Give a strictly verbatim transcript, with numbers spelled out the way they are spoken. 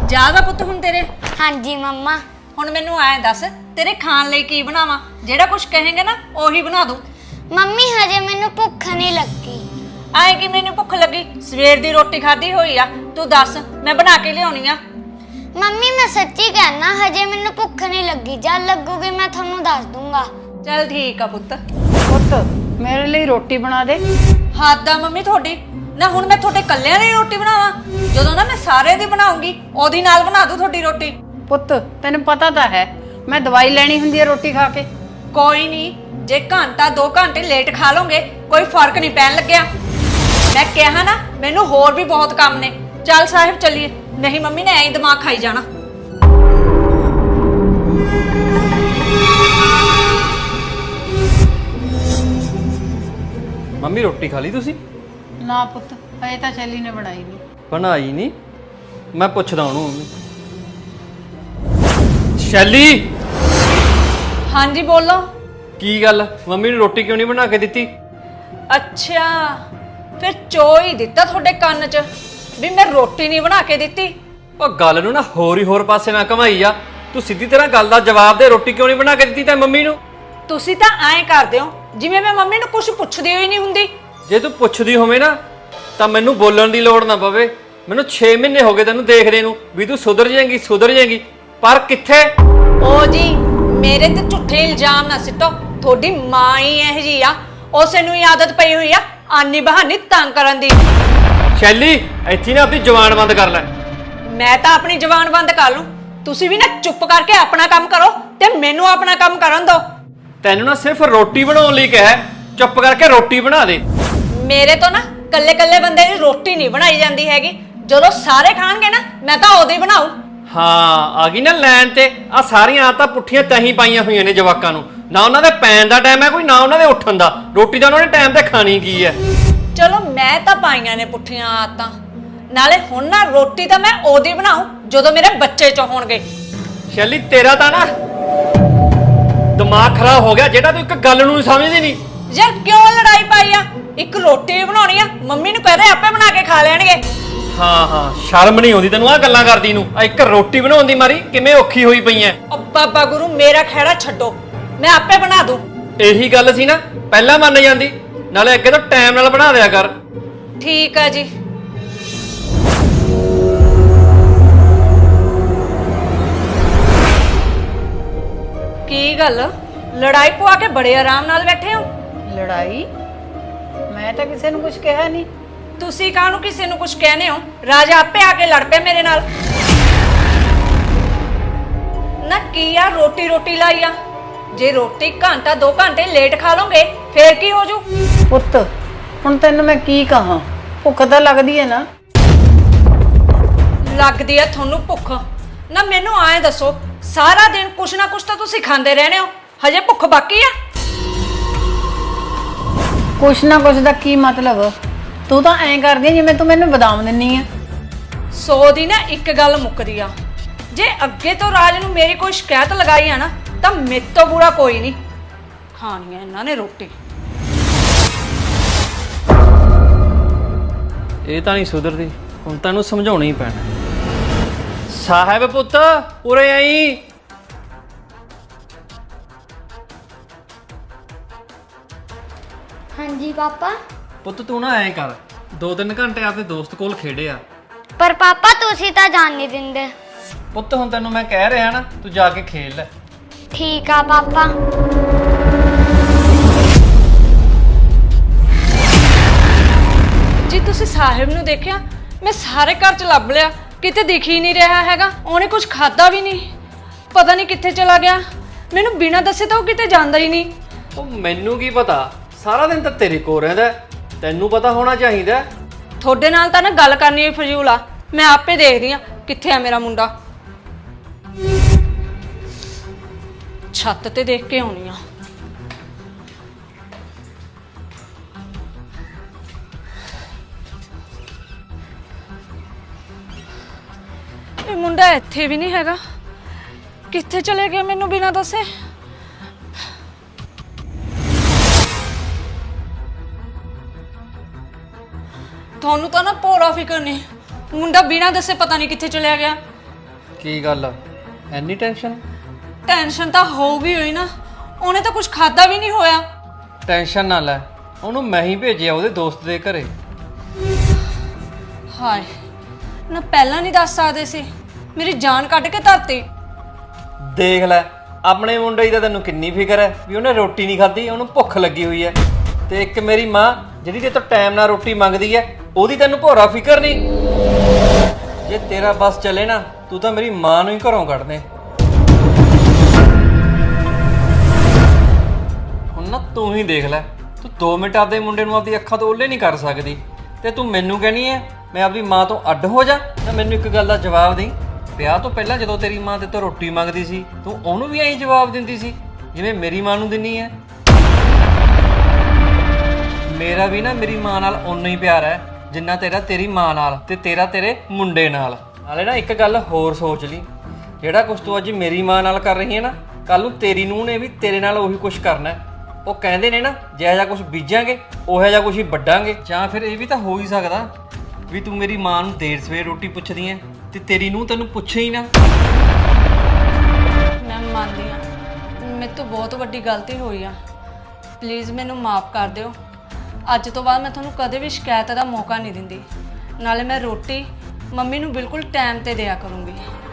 ਜਾਗਾ ਪੁੱਤ ਹੁਣ ਤੇਰੇ। ਹਾਂਜੀ ਮੰਮਾ। ਹੁਣ ਮੈਨੂੰ ਐ ਦੱਸ ਤੇਰੇ ਖਾਣ ਲਈ ਕੀ ਬਣਾਵਾਂ? ਜਿਹੜਾ ਕੁਝ ਕਹੇਂਗੇ ਨਾ ਉਹੀ ਬਣਾ ਦੂੰ। ਮੰਮੀ ਹਜੇ ਮੈਨੂੰ ਭੁੱਖ ਨਹੀਂ ਲੱਗੀ। ਆਏ ਕਿ ਮੈਨੂੰ ਭੁੱਖ ਲੱਗੀ? ਸਵੇਰ ਦੀ ਰੋਟੀ ਖਾਧੀ ਹੋਈ ਆ। ਤੂੰ ਦੱਸ ਮੈਂ ਬਣਾ ਕੇ ਲਿਆਉਣੀ ਆ। ਮੰਮੀ ਮੈਂ ਸੱਚੀ ਕਹਿਣਾ ਹਜੇ ਮੈਨੂੰ ਭੁੱਖ ਨਹੀਂ ਲੱਗੀ। ਜਦ ਲੱਗੂਗੀ ਮੈਂ ਤੁਹਾਨੂੰ ਦੱਸ ਦੂੰਗਾ। ਚੱਲ ਠੀਕ ਆ ਪੁੱਤ। ਪੁੱਤ ਮੇਰੇ ਲਈ ਰੋਟੀ ਬਣਾ ਦੇ। ਹੱਦ ਆ ਮੰਮੀ ਤੁਹਾਡੀ। ਨਾ ਹੁਣ ਮੈਂ ਤੁਹਾਡੇ ਕੱਲਿਆਂ ਦੀ ਰੋਟੀ ਬਣਾਵਾਂ? ਜਦੋਂ ਨਾ ਮੈਂ ਸਾਰੇ ਦੀ ਬਣਾਉਂਗੀ ਉਹਦੀ ਨਾਲ ਬਣਾ ਦੂੰ ਤੁਹਾਡੀ ਰੋਟੀ। ਪੁੱਤ ਤੈਨੂੰ ਪਤਾ ਤਾਂ ਹੈ ਮੈਂ ਦਵਾਈ ਲੈਣੀ ਹੁੰਦੀ ਹੈ ਰੋਟੀ ਖਾ ਕੇ। ਕੋਈ ਨਹੀਂ, ਜੇ ਘੰਟਾ ਦੋ ਘੰਟੇ ਲੇਟ ਖਾ ਲੋਗੇ ਕੋਈ ਫਰਕ ਨਹੀਂ ਪੈਣ ਲੱਗਿਆ। ਮੈਂ ਕਿਹਾ ਨਾ ਮੈਨੂੰ ਹੋਰ ਵੀ ਬਹੁਤ ਕੰਮ ਨੇ। ਚੱਲ ਸਾਹਿਬ ਚੱਲੀਏ, ਨਹੀਂ ਮੰਮੀ ਨੇ ਐਂ ਹੀ ਦਿਮਾਗ ਖਾਈ ਜਾਣਾ। ਮੰਮੀ ਰੋਟੀ ਖਾ ਲਈ ਤੁਸੀਂ? ਨਾ ਪੁੱਤ ਹਜੇ ਤਾਂ ਸ਼ੈਲੀ ਨੇ ਬਣਾਈ ਨਹੀਂ। ਬਣਾਈ ਨਹੀਂ? ਮੈਂ ਪੁੱਛਦਾ ਉਹਨੂੰ। ਮੰਮੀ ਸ਼ੈਲੀ। ਹਾਂਜੀ ਬੋਲੋ। ਕੀ ਗੱਲ ਮੰਮੀ ਨੂੰ ਰੋਟੀ ਕਿਉਂ ਨਹੀਂ ਬਣਾ ਕੇ ਦਿੱਤੀ? ਅੱਛਾ ਫਿਰ ਚੋ ਹੀ ਦਿੱਤਾ ਤੁਹਾਡੇ ਕੰਨ 'ਚ ਵੀ ਮੈਂ ਰੋਟੀ ਨਹੀਂ ਬਣਾ ਕੇ ਦਿੱਤੀ। ਉਹ ਗੱਲ ਨੂੰ ਨਾ ਹੋਰ ਹੀ ਹੋਰ ਪਾਸੇ ਨਾ ਘਮਾਈ ਆ। ਤੂੰ ਸਿੱਧੀ ਤਰ੍ਹਾਂ ਗੱਲ ਦਾ ਜਵਾਬ ਦੇ। ਰੋਟੀ ਕਿਉਂ ਨਹੀਂ ਬਣਾ ਕੇ ਦਿੱਤੀ ਤੈਂ ਮੰਮੀ ਨੂੰ? ਤੁਸੀਂ ਤਾਂ ਐਂ ਕਰਦੇ ਹੋ ਜਿਵੇਂ ਮੈਂ ਮੰਮੀ ਨੂੰ ਕੁਝ ਪੁੱਛਦੀ ਹੋਈ ਨਹੀਂ ਹੁੰਦੀ। ਜੇ ਤੂੰ ਪੁੱਛਦੀ ਹੋਵੇਂ ਨਾ ਤਾਂ ਮੈਨੂੰ ਬੋਲਣ ਦੀ ਲੋੜ ਨਾ ਪਵੇ। ਮੈਨੂੰ ਛੇ ਮਹੀਨੇ ਹੋ ਗਏ ਤੈਨੂੰ ਦੇਖਦੇ ਨੂੰ ਵੀ ਤੂੰ ਸੁਧਰ ਜਾਏਂਗੀ ਸੁਧਰ ਜਾਏਂਗੀ, ਪਰ ਕਿੱਥੇ? ਓ ਜੀ ਮੇਰੇ ਤੇ ਝੂਠੇ ਇਲਜ਼ਾਮ ਨਾ ਸਿੱਟੋ। ਤੁਹਾਡੀ ਮਾਂ ਹੀ ਇਹ ਜੀ ਆ, ਉਸੇ ਨੂੰ ਹੀ ਆਦਤ ਪਈ ਹੋਈ ਆ ਆਨੀ ਬਹਾਨੀ ਤੰਗ ਕਰਨ ਦੀ। ਸ਼ੈਲੀ ਇੱਥੇ ਨਾ ਆਪਣੀ ਜ਼ੁਬਾਨ ਬੰਦ ਕਰ ਲੈ। ਮੈਂ ਤਾਂ ਆਪਣੀ ਜ਼ੁਬਾਨ ਬੰਦ ਕਰ ਲੂੰ, ਤੁਸੀਂ ਵੀ ਨਾ ਚੁੱਪ ਕਰਕੇ ਆਪਣਾ ਕੰਮ ਕਰੋ ਤੇ ਮੈਨੂੰ ਆਪਣਾ ਕੰਮ ਕਰਨ ਦਿਓ। ਤੈਨੂੰ ਨਾ ਸਿਰਫ ਰੋਟੀ ਬਣਾਉਣ ਲਈ ਕਿਹਾ, ਚੁੱਪ ਕਰਕੇ ਰੋਟੀ ਬਣਾ ਦੇ। ਮੇਰੇ ਤੋਂ ਨਾ ਕੱਲੇ ਕੱਲੇ ਬੰਦੇ ਦੀ ਰੋਟੀ ਨਹੀਂ ਬਣਾਈ ਜਾਂਦੀ ਹੈਗੀ। ਜਦੋਂ ਸਾਰੇ ਖਾਣਗੇ ਨਾ ਮੈਂ ਤਾਂ ਉਦੋਂ ਹੀ ਬਣਾਉ। ਹਾਂ ਆ ਗਈ ਨਾ ਲੈਣ ਤੇ। ਆ ਸਾਰੀਆਂ ਆਦਤਾਂ ਪੁੱਠੀਆਂ ਤਹੀਂ ਪਾਈਆਂ ਹੋਈਆਂ ਨੇ ਜਵਾਕਾਂ ਨੂੰ। ਨਾ ਉਹਨਾਂ ਦੇ ਪੈਣ ਦਾ ਟਾਈਮ ਹੈ ਕੋਈ, ਨਾ ਉਹਨਾਂ ਦੇ ਉੱਠਣ ਦਾ। ਰੋਟੀ ਤਾਂ ਉਹਨਾਂ ਨੇ ਟਾਈਮ ਤੇ ਖਾਣੀ ਕੀ ਹੈ। ਚਲੋ ਮੈਂ ਤਾਂ ਪਾਈਆਂ ਨੇ ਪੁੱਠੀਆਂ ਆਦਤਾਂ। ਨਾਲੇ ਹੁਣ ਨਾ ਰੋਟੀ ਤਾਂ ਮੈਂ ਉਦੋਂ ਹੀ ਬਣਾਉ ਜਦੋਂ ਮੇਰੇ ਬੱਚੇ ਚ ਹੋਣਗੇ। ਸ਼ੈਲੀ ਤੇਰਾ ਤਾਂ ਨਾ ਦਿਮਾਗ ਖਰਾਬ ਹੋ ਗਿਆ ਜਿਹੜਾ ਤੂੰ ਇੱਕ ਗੱਲ ਨੂੰ ਸਮਝਦੀ ਨਹੀਂ। ਯਾਰ ਕਿਉਂ ਲੜਾਈ ਪਾਈ ਆ? ਇੱਕ ਰੋਟੀ ਬਣਾਉਣੀ ਆ, ਮੰਮੀ ਨੂੰ ਕਹਦੇ ਆਪੇ ਬਣਾ ਕੇ ਖਾ ਲੈਣਗੇ। ਹਾਂ ਹਾਂ ਸ਼ਰਮ ਨਹੀਂ ਆਉਂਦੀ ਤੈਨੂੰ ਆ ਗੱਲਾਂ ਕਰਦੀ ਨੂੰ? ਆ ਇੱਕ ਰੋਟੀ ਬਣਾਉਣ ਦੀ ਮਾਰੀ ਕਿਵੇਂ ਔਖੀ ਹੋਈ ਪਈ ਐ। ਓ ਬਾਬਾ ਗੁਰੂ ਮੇਰਾ ਖਹਿੜਾ ਛੱਡੋ, ਮੈਂ ਆਪੇ ਬਣਾ ਦੂੰ। ਇਹੀ ਗੱਲ ਸੀ ਨਾ ਪਹਿਲਾਂ ਮੰਨ ਜਾਂਦੀ। ਨਾਲੇ ਅੱਗੇ ਤੋਂ ਟਾਈਮ ਨਾਲ ਬਣਾ ਦਿਆ ਕਰ। ਠੀਕ ਆ ਜੀ। ਕੀ ਗੱਲ ਲੜਾਈ ਪਵਾ ਕੇ ਬੜੇ ਆਰਾਮ ਨਾਲ ਬੈਠੇ ਹੋ? ਲੜਾਈ? ਮੈਂ ਤਾਂ ਕਿਸੇ ਨੂੰ ਕੁਝ ਕਿਹਾ ਨਹੀਂ। ਤੁਸੀਂ ਕਾਹਨੂੰ ਕਿਸੇ ਨੂੰ ਕੁਝ ਕਹਿੰਦੇ ਹੋ? ਰਾਜਾ ਆਪੇ ਆ ਕੇ ਲੜ ਪਿਆ ਮੇਰੇ ਨਾਲ। ਨਾ ਕੀ ਆ ਰੋਟੀ ਰੋਟੀ ਲਾਈ ਆ? ਜੇ ਰੋਟੀ ਘੰਟਾ ਦੋ ਘੰਟੇ ਲੇਟ ਖਾ ਲੋਗੇ ਫੇਰ ਕੀ ਹੋ ਜੂ? ਪੁੱਤ ਹੁਣ ਤੈਨੂੰ ਮੈਂ ਕੀ ਕਹਾਂ, ਭੁੱਖ ਤਾਂ ਲੱਗਦੀ ਹੈ ਨਾ। ਲੱਗਦੀ ਆ ਤੁਹਾਨੂੰ ਭੁੱਖ? ਨਾ ਮੈਨੂੰ ਐਂ ਦੱਸੋ, ਸਾਰਾ ਦਿਨ ਕੁਛ ਨਾ ਕੁਛ ਤਾਂ ਤੁਸੀਂ ਖਾਂਦੇ ਰਹਿੰਦੇ ਹੋ, ਹਜੇ ਭੁੱਖ ਬਾਕੀ ਆ? ਕੁਛ ਨਾ ਕੁਛ ਦਾ ਕੀ ਮਤਲਬ? ਤੂੰ ਤਾਂ ਐਂ ਕਰਦੀ ਜਿਵੇਂ ਤੂੰ ਮੈਨੂੰ ਬਦਾਮ ਦਿੰਨੀ ਆ। ਸੌ ਦੀ ਨਾ ਇੱਕ ਗੱਲ ਮੁੱਕਦੀ ਆ। ਜੇ ਅੱਗੇ ਤੋਂ ਰਾਜ ਨੂੰ ਮੇਰੀ ਕੋਈ ਸ਼ਿਕਾਇਤ ਲਗਾਈ ਆ ਨਾ ਤਾਂ ਮੇਰੇ ਤੋਂ ਬੁਰਾ ਕੋਈ ਨਹੀਂ। ਖਾਣੀ ਆ ਇਹਨਾਂ ਨੇ ਰੋਟੀ। ਇਹ ਤਾਂ ਨਹੀਂ ਸੁਧਰਦੀ, ਹੁਣ ਤੈਨੂੰ ਸਮਝਾਉਣਾ ਹੀ ਪੈਣਾ। ਸਾਹਿਬ ਪੁੱਤ ਉਰੇ ਆਈ। ਹਾਂਜੀ ਪਾਪਾ। ਪੁੱਤ ਤੂੰ ਨਾ ਐਂ ਕਰ, ਦੋ ਤਿੰਨ ਘੰਟੇ ਆਪਣੇ ਦੋਸਤ ਕੋਲ ਖੇਡਿਆ। ਪਰ ਪਾਪਾ ਤੁਸੀਂ ਤਾਂ ਜਾਣ ਨਹੀਂ ਦਿੰਦੇ। ਪੁੱਤ ਹੁਣ ਤੈਨੂੰ ਮੈਂ ਕਹਿ ਰਿਹਾ ਨਾ, ਤੂੰ ਜਾ ਕੇ ਖੇਡ ਲੈ। ਠੀਕ ਆ ਪਾਪਾ। ਜੀ ਤੁਸੀਂ ਸਾਹਿਬ ਨੂੰ ਦੇਖਿਆ? ਮੈਂ ਸਾਰੇ ਘਰ ਚ ਲੱਭ ਲਿਆ, ਕਿਤੇ ਦਿਖ ਹੀ ਨਹੀਂ ਰਿਹਾ ਹੈਗਾ। ਉਹਨੇ ਕੁਝ ਖਾਦਾ ਵੀ ਨਹੀਂ, ਪਤਾ ਨਹੀਂ ਕਿੱਥੇ ਚਲਾ ਗਿਆ। ਮੈਨੂੰ ਬਿਨਾਂ ਦੱਸੇ ਤਾਂ ਉਹ ਕਿਤੇ ਜਾਂਦਾ ਹੀ ਨਹੀਂ। ਉਹ ਮੈਨੂੰ ਕੀ ਪਤਾ, ਸਾਰਾ ਦਿਨ ਤਾਂ ਤੇਰੇ ਕੋਲ ਰਹਿੰਦਾ। ਤੈਨੂੰ ਪਤਾ ਹੋਣਾ ਚਾਹੀਦਾ। ਤੁਹਾਡੇ ਨਾਲ ਤਾਂ ਨਾ ਗੱਲ ਕਰਨੀ ਹੀ ਫਜ਼ੂਲ ਆ। ਮੈਂ ਆਪੇ ਦੇਖਦੀ ਆ ਕਿੱਥੇ ਆ ਮੇਰਾ ਮੁੰਡਾ। ਛੱਤ ਤੇ ਦੇਖ ਕੇ ਆਉਣੀ ਆ। ਇਹ ਮੁੰਡਾ ਇੱਥੇ ਵੀ ਨਹੀਂ ਹੈਗਾ, ਕਿੱਥੇ ਚਲੇ ਗਿਆ ਮੈਨੂੰ ਬਿਨਾਂ ਦੱਸੇ? ਤੁਹਾਨੂੰ ਤਾਂ ਨਾ ਭੋਰਾ ਫਿਕਰ ਨਹੀਂ, ਮੁੰਡਾ ਬਿਨਾਂ ਦੱਸੇ ਪਤਾ ਨਹੀਂ ਕਿੱਥੇ ਚਲਿਆ ਗਿਆ। ਕੀ ਗੱਲ ਐਨੀ ਟੈਨਸ਼ਨ? ਟੈਨਸ਼ਨ ਤਾਂ ਹੋਊਗੀ ਹੋਈ ਨਾ, ਉਹਨੇ ਤਾਂ ਕੁਝ ਖਾਦਾ ਵੀ ਨਹੀਂ ਹੋਇਆ। ਟੈਨਸ਼ਨ ਨਾ ਲੈ, ਉਹਨੂੰ ਮੈਂ ਹੀ ਭੇਜਿਆ ਉਹਦੇ ਦੋਸਤ ਦੇ ਘਰੇ। ਹਾਏ ਨਾ, ਪਹਿਲਾਂ ਨਹੀਂ ਦੱਸ ਸਕਦੇ ਸੀ, ਮੇਰੀ ਜਾਨ ਕੱਢ ਕੇ ਧਰਤੀ। ਦੇਖ ਲੈ, ਆਪਣੇ ਮੁੰਡੇ ਦੀ ਤਾਂ ਤੈਨੂੰ ਕਿੰਨੀ ਫਿਕਰ ਹੈ ਵੀ ਉਹਨੇ ਰੋਟੀ ਨਹੀਂ ਖਾਧੀ, ਉਹਨੂੰ ਭੁੱਖ ਲੱਗੀ ਹੋਈ ਹੈ। ਤੇ ਇੱਕ ਮੇਰੀ ਮਾਂ ਜਿਹੜੀ ਤੇ ਤੋਂ ਟਾਈਮ ਨਾਲ ਰੋਟੀ ਮੰਗਦੀ ਹੈ, ਉਹਦੀ ਤੈਨੂੰ ਭੋਰਾ ਫਿਕਰ ਨਹੀਂ। ਜੇ ਤੇਰਾ ਬਸ ਚੱਲੇ ਨਾ, ਤੂੰ ਤਾਂ ਮੇਰੀ ਮਾਂ ਨੂੰ ਹੀ ਘਰੋਂ ਕੱਢ ਦੇ। ਹੁਣ ਨਾ ਤੂੰ ਹੀ ਦੇਖ ਲੈ, ਤੂੰ ਦੋ ਮਿੰਟ ਆਪਦੇ ਮੁੰਡੇ ਨੂੰ ਆਪਦੀ ਅੱਖਾਂ ਤੋਂ ਓਲੇ ਨਹੀਂ ਕਰ ਸਕਦੀ, ਤੇ ਤੂੰ ਮੈਨੂੰ ਕਹਿਣੀ ਹੈ ਮੈਂ ਆਪਦੀ ਮਾਂ ਤੋਂ ਅੱਡ ਹੋ ਜਾ। ਤਾਂ ਮੈਨੂੰ ਇੱਕ ਗੱਲ ਦਾ ਜਵਾਬ ਦੇ, ਵਿਆਹ ਤੋਂ ਪਹਿਲਾਂ ਜਦੋਂ ਤੇਰੀ ਮਾਂ ਤੇ ਤੋਂ ਰੋਟੀ ਮੰਗਦੀ ਸੀ, ਤੂੰ ਉਹਨੂੰ ਵੀ ਐਂ ਜਵਾਬ ਦਿੰਦੀ ਸੀ ਜਿਵੇਂ ਮੇਰੀ ਮਾਂ ਨੂੰ ਦਿੰਨੀ ਹੈ? ਮੇਰਾ ਵੀ ਨਾ ਮੇਰੀ ਮਾਂ ਨਾਲ ਓਨਾ ਹੀ ਪਿਆਰ ਹੈ ਜਿੰਨਾ ਤੇਰਾ ਤੇਰੀ ਮਾਂ ਨਾਲ ਤੇ ਤੇਰਾ ਤੇਰੇ ਮੁੰਡੇ ਨਾਲ। ਨਾਲੇ ਨਾ ਇੱਕ ਗੱਲ ਹੋਰ ਸੋਚ ਲਈ, ਜਿਹੜਾ ਕੁਝ ਤੂੰ ਅੱਜ ਮੇਰੀ ਮਾਂ ਨਾਲ ਕਰ ਰਹੀ ਹੈ ਨਾ, ਕੱਲ ਨੂੰ ਤੇਰੀ ਨੂੰਹ ਨੇ ਵੀ ਤੇਰੇ ਨਾਲ ਉਹੀ ਕੁਝ ਕਰਨਾ ਹੈ। ਉਹ ਕਹਿੰਦੇ ਨੇ ਨਾ, ਜਿਹੋ ਜਿਹਾ ਕੁਝ ਬੀਜਾਂਗੇ ਉਹੋ ਜਿਹਾ ਕੁਝ ਹੀ ਵੱਢਾਂਗੇ। ਜਾਂ ਫਿਰ ਇਹ ਵੀ ਤਾਂ ਹੋ ਹੀ ਸਕਦਾ ਵੀ ਤੂੰ ਮੇਰੀ ਮਾਂ ਨੂੰ ਦੇਰ ਸਵੇਰ ਰੋਟੀ ਪੁੱਛਦੀ ਐ ਤੇ ਤੇਰੀ ਨੂੰਹ ਤੈਨੂੰ ਪੁੱਛੇ ਹੀ ਨਾ। ਮੈਂ ਮੰਨਦੀ ਹਾਂ ਮੇਰੇ ਤੋਂ ਬਹੁਤ ਵੱਡੀ ਗਲਤੀ ਹੋਈ ਆ, ਪਲੀਜ਼ ਮੈਨੂੰ ਮਾਫ ਕਰ ਦਿਓ। ਅੱਜ ਤੋਂ ਬਾਅਦ ਮੈਂ ਤੁਹਾਨੂੰ ਕਦੇ ਵੀ ਸ਼ਿਕਾਇਤ ਦਾ ਮੌਕਾ ਨਹੀਂ ਦਿੰਦੀ। ਨਾਲੇ ਮੈਂ ਰੋਟੀ ਮੰਮੀ ਨੂੰ ਬਿਲਕੁਲ ਟਾਈਮ ਤੇ ਦਿਆ ਕਰੂੰਗੀ।